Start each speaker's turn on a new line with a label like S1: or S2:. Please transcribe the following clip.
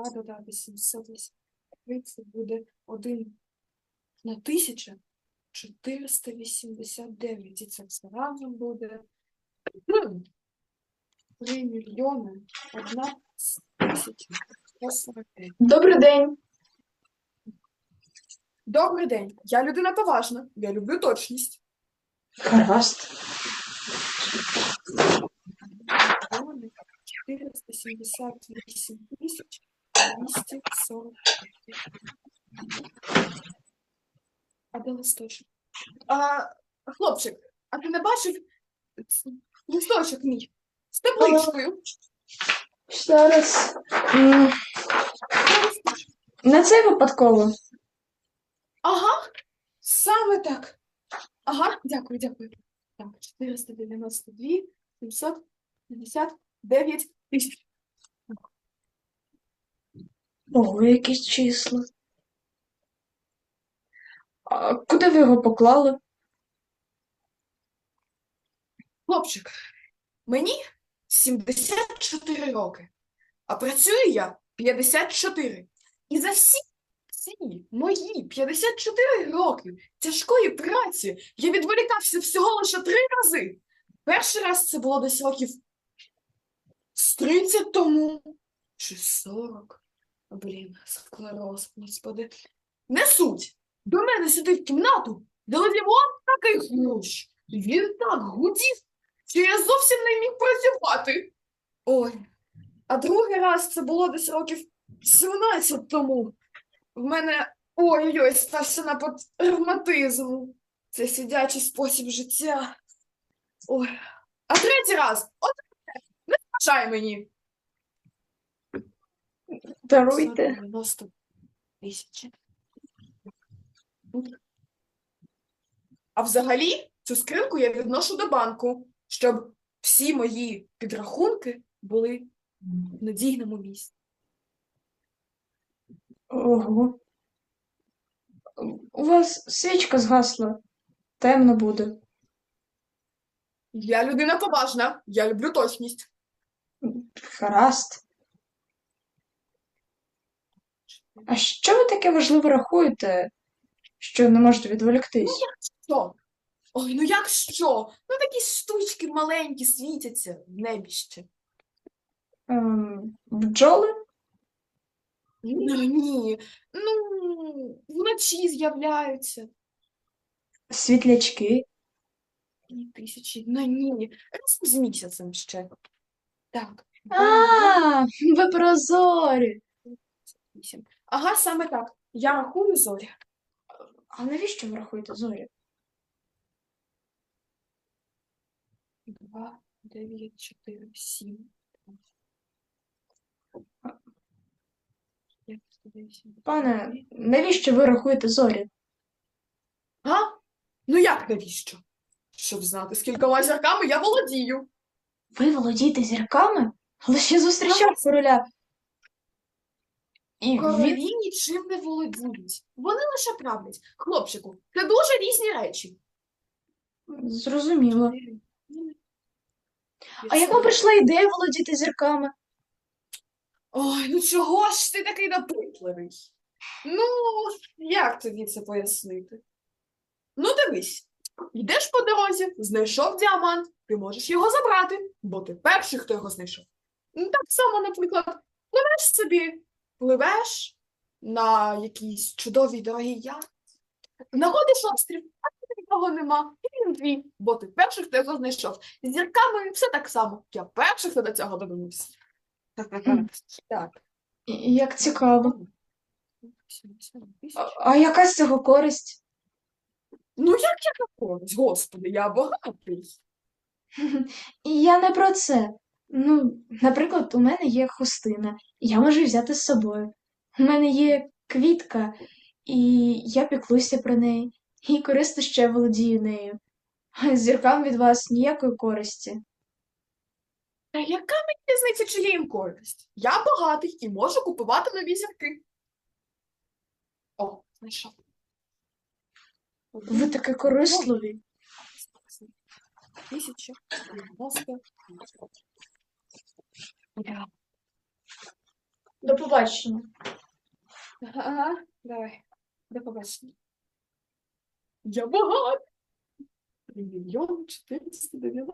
S1: 2 додати 783, це буде 1 на 1489. І це все разом буде 3 мільйони 1 тисяча 145.
S2: Добрий день.
S1: Добрий день. Я людина поважна. Я люблю точність.
S2: Гаразд.
S1: 478 тисяч 240. А де листочок? Хлопчик, а ти не бачив листочок мій? З табличкою.
S2: Зараз. Не це випадково.
S1: Ага, саме так. Ага, дякую. Так, 492 759 тисяч.
S2: Ого, якісь числа. А куди ви його поклали?
S1: Хлопчик, мені 74 роки, а працюю я 54. І за всі ці мої 54 роки тяжкої праці я відволікався всього лише 3 рази. Перший раз це було десь років з 30 тому, чи 40. Блін, склероз, господи. Не суть. До мене сюди в кімнату долетівав такий хрущ. Він так гудів, що я зовсім не міг працювати. Ой, а другий раз це було десь років 17 тому. В мене, ой-ой, стався напад ревматизму. Це сидячий спосіб життя. Ой. А третій раз, от не заважай мені.
S2: Даруйте.
S1: 90 тисяч. А взагалі, цю скриньку я відношу до банку, щоб всі мої підрахунки були в надійному місці.
S2: Ого. У вас свічка згасла. Темно буде.
S1: Я людина поважна, я люблю точність.
S2: Гаразд. А що ви таке важливе рахуєте, що не можете відволіктись?
S1: Що? Ой, ну як що? Ну такі штучки маленькі світяться в небі ще.
S2: Бджоли?
S1: Ну, ні, ну, вночі з'являються.
S2: Світлячки?
S1: І тисячі, ну ні, раз з місяцем ще. Так.
S2: Ви прозорі.
S1: 8. Ага, саме так. Я рахую зорі.
S2: А навіщо ви рахуєте зорі?
S1: 2, 9, 4, 7.
S2: Пане, навіщо ви рахуєте зорі?
S1: А? Ну як навіщо? Щоб знати, скількома зірками я володію.
S2: Ви володієте зірками? Але ще зустрічав короля. І він...
S1: Королі нічим не володіють. Вони лише правлять. Хлопчику, це дуже різні речі.
S2: Зрозуміло. А як вам прийшла ідея володіти зірками?
S1: Ой, ну чого ж ти такий допитливий? Ну, як тобі це пояснити? Ну, дивись, йдеш по дорозі, знайшов діамант, ти можеш його забрати, бо ти перший, хто його знайшов. Ну, так само, наприклад, пливеш собі, пливеш на якійсь чудовій дорогій яхті, знаходиш острів, а тут нікого нема, і він твій, бо ти перший, хто його знайшов. З зірками все так само, я перший, хто до цього додумався. Так.
S2: Як цікаво. А яка з цього користь?
S1: Ну, як я користь, господи, я багатий.
S2: І я не про це. Ну, наприклад, у мене є хустина, і я можу взяти з собою. У мене є квітка, і я піклуюся про неї, і корисно ще володію нею. А зіркам від вас ніякої користі.
S1: Та яка мені різниця, чи є їм користь? Я багатий і можу купувати нові зірки. О, знайшов.
S2: Ви такі корисливі.
S1: 1090.
S2: До побачення.
S1: Ага, давай. До побачення. Я багат. 3 мільйони 490